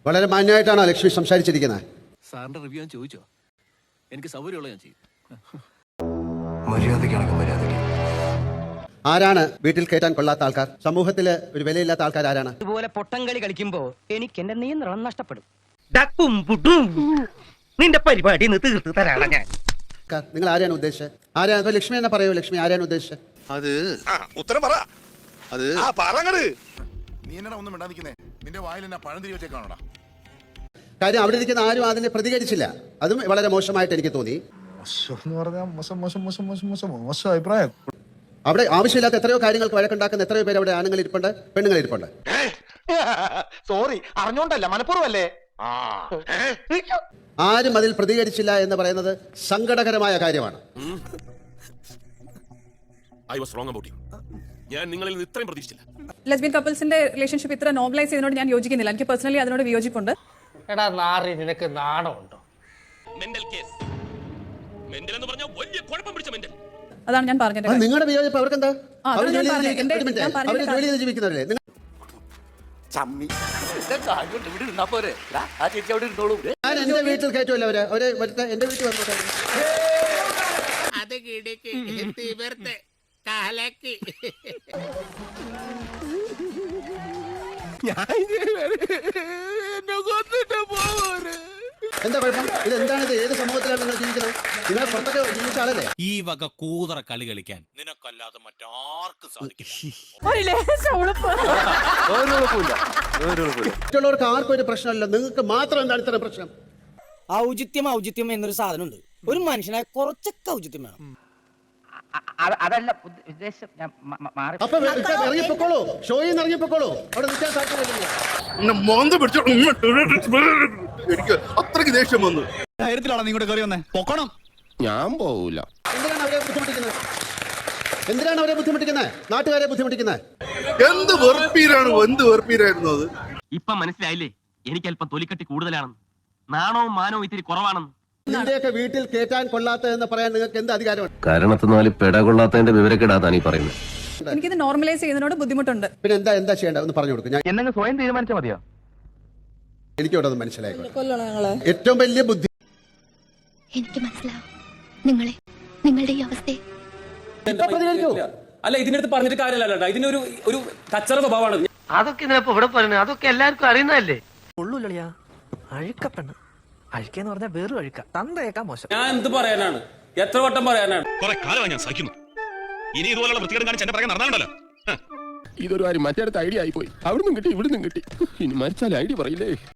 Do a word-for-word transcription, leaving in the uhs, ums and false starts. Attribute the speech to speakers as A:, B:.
A: വളരെ മാന്യമായിട്ടാണോ ലക്ഷ്മി സംസാരിച്ചിരിക്കുന്നത്?
B: സാറിന്റെ റിവ്യൂ ഞാൻ ചോദിച്ചോ? എനിക്ക് സൗകര്യമുള്ള ഞാൻ ചെയ്യും.
C: മര്യാദയ്ക്കാണെങ്കിൽ മര്യാദയ്ക്ക്.
D: ആരാണ് വീട്ടിൽ കയറ്റാൻ കൊള്ളാത്ത ആൾക്കാർ? സമൂഹത്തില് ഒരു വിലയില്ലാത്ത ആൾക്കാർ ആരാണ്?
E: ഇതുപോലെ പൊട്ടംകളി കളിക്കുമ്പോ എനിക്ക് എന്റെ നിയന്ത്രണം നഷ്ടപ്പെടും. നിന്റെ പരിപാടി തീർത്ത് തരാണ് ഞാൻ.
D: നിങ്ങൾ ആരെയാണ് ഉദ്ദേശിച്ചത്? ആരാണ്? ലക്ഷ്മി എന്നെ പറയൂ, ലക്ഷ്മി ആരെയാണ് ഉദ്ദേശിച്ചത്?
C: അത് ഉത്തരം പറ. അത്
F: നീ എന്നാ ഒന്നും മിണ്ടാതിരിക്കുന്നേ? നിന്റെ വായിൽ എന്നാ പഴം തിരി വെച്ചേക്കാണോടാ?
D: കാര്യം അവിടെ ഇരിക്കുന്ന ആരും അതിനെ പ്രതികരിച്ചില്ല. അതും വളരെ മോശമായിട്ട് എനിക്ക് തോന്നി.
F: അഭിപ്രായം.
D: അവിടെ ആവശ്യമില്ലാത്ത എത്രയോ കാര്യങ്ങൾക്ക് വഴക്കുണ്ടാക്കുന്ന എത്രയോ പേര് അവിടെ ആണുങ്ങൾ ഇരിപ്പുണ്ട്, പെണ്ണുങ്ങൾ ഇരിപ്പുണ്ട്.
E: സോറി, അറിഞ്ഞോണ്ടല്ല, മനഃപൂർവ്വല്ലേ.
D: ആരും അതിൽ പ്രതികരിച്ചില്ല എന്ന് പറയുന്നത് സങ്കടകരമായ കാര്യമാണ്.
G: ഞാൻ നിങ്ങളിൽ നിന്ന് ഇത്രയും പ്രതീക്ഷിച്ചില്ല.
H: ലെസ്ബിയൻ കപ്പിൾസിന്റെ റിലേഷൻഷിപ്പ് ഇത്ര നോർമലൈസ് ചെയ്യുന്നതിനോട് ഞാൻ യോജിക്കുന്നില്ല. എനിക്ക് പേഴ്സണലി അതിനോട് വിയോജിപ്പുണ്ട്.
E: എടാ നാറി, നിനക്ക് നാണമുണ്ടോ?
G: Mental case. മെന്റൽ എന്ന് പറഞ്ഞാൽ വലിയ കുഴപ്പം പിടിച്ച മെന്റൽ.
H: അതാണ് ഞാൻ പറഞ്ഞത്.
D: നിങ്ങളുടെ വിയോജിപ്പ് അവർക്ക് എന്താ?
H: ആ,
D: അവർ
H: അതാണ്
D: ജോലി
H: ഞാൻ പറഞ്ഞത്.
D: ചെയ്ത്
H: എന്റെ-
D: ഒരു മിനിറ്റ്.
H: ഞാൻ പറഞ്ഞത്
D: അവര് ജോലി ചെയ്ത് ജീവിക്കുന്നവരല്ലേ? നിങ്ങൾ- ഞാൻ എന്റെ വീട്ടിൽ കയറ്റുമല്ലോ അവര്. അവര് വരട്ടെ, എന്റെ വീട്ടിൽ വന്നോട്ടെ. എന്താ കുഴപ്പം? ഇത് എന്താണിത്? ഏത് സമൂഹത്തിലാണ് നിങ്ങൾ ജീവിക്കുന്നത്? നിങ്ങൾ പുറത്തൊക്കെ ജീവിച്ച ആളല്ലേ?
I: ഈ വക കൂതറ കളി കളിക്കാൻ നിനക്കല്ലാതെ മറ്റാർക്കും സാധിക്കില്ല.
D: മറ്റുള്ളവർക്ക് ആർക്കും ഒരു പ്രശ്നമല്ല, നിങ്ങൾക്ക് മാത്രം എന്താണ് ഇത്ര പ്രശ്നം?
E: ഔചിത്യം ഔചിത്യം എന്നൊരു സാധനമുണ്ട്. ഒരു മനുഷ്യനായ കുറച്ചൊക്കെ ഔചിത്യം വേണം. അതല്ല ഉദ്ദേശം.
D: അപ്പൊ ഇറങ്ങിപ്പോക്കോളൂ, ഷോയിൽ നിന്ന് ഇറങ്ങിപ്പോക്കോളൂ. അവിടെ നിൽക്കാൻ സാധ്യതയില്ല.
F: എനിക്ക് അത്രയ്ക്ക് ദേഷ്യം വന്നു.
C: ധൈര്യത്തിലാണ് നിങ്ങളുടെ കയറി വന്നേ. പൊക്കണം. ഞാൻ പോവൂല.
D: എന്തിനാണ് അവരെ ബുദ്ധിമുട്ടിക്കുന്നത്? എന്തിനാണ് അവരെ ബുദ്ധിമുട്ടിക്കുന്നത്? നാട്ടുകാരെ ബുദ്ധിമുട്ടിക്കുന്നത്?
F: എന്ത് വെറുപ്പീരാണ്, എന്ത് വെറുപ്പീരായിരുന്നു അത്.
E: ഇപ്പൊ മനസ്സിലായില്ലേ എനിക്ക് അല്പം തൊലിക്കട്ടി കൂടുതലാണെന്ന്, നാണവും മാനവും ഇത്തിരി കുറവാണെന്ന്.
D: നിന്റെയൊക്കെ വീട്ടിൽ കേറ്റാൻ കൊള്ളാത്ത എന്ന് പറയാൻ നിങ്ങൾക്ക് എന്ത് അധികാരമാണ്?
J: കാരണത്തിനാല് പെട കൊള്ളാത്തതിന്റെ വിവരക്കെടാതാണ് ഈ പറയുന്നത്.
H: എനിക്കിത് നോർമലൈസ് ചെയ്യുന്നതിനോട് ബുദ്ധിമുട്ടുണ്ട്.
D: പിന്നെ എന്താ എന്താ ചെയ്യേണ്ടത് ഒന്ന് പറഞ്ഞു കൊടുക്കും. ഞാൻ
E: എന്നെ സ്വയം തീരുമാനിച്ചാൽ മതിയോ?
D: എനിക്ക് ഇവിടെ മനസ്സിലായി. ഏറ്റവും വലിയ ബുദ്ധി
K: എനിക്ക് മനസ്സിലാവും നിങ്ങളെ, നിങ്ങളുടെ ഈ അവസ്ഥയെ.
I: അല്ല, ഇതിനടുത്ത് പറഞ്ഞിട്ട് കാര്യമല്ല. ഇതിനൊരു ഒരു കച്ചറ സ്വഭാവമാണ്.
E: അതൊക്കെ ഇതിനപ്പോ ഇവിടെ പറയുന്നത്, അതൊക്കെ എല്ലാവർക്കും അറിയുന്നതല്ലേ.
L: ഉള്ളൂല്ലളിയാ അഴുക്കപ്പെണ്ണ്. അഴുക്കെന്ന് പറഞ്ഞാൽ വേറൊരു അഴുക്ക, തന്തയേക്കാ മോശം.
I: ഞാൻ എന്ത് പറയാനാണ്? എത്ര വട്ടം പറയാനാണ്?
G: കുറെ കാലമായി ഞാൻ സഹിക്കുന്നു. ഇനി ഇതുപോലുള്ള വൃത്തികേടും കാണിച്ച് എന്നെ പറയാൻ നടന്നാലുണ്ടല്ലോ.
J: ഇതൊരു കാര്യം മറ്റേടത്ത് ഐഡിയ ആയിപ്പോയി. അവിടുന്ന് കിട്ടി, ഇവിടുന്ന് കിട്ടി. ഇനി മരിച്ചാൽ ഐഡിയ പറയില്ലേ.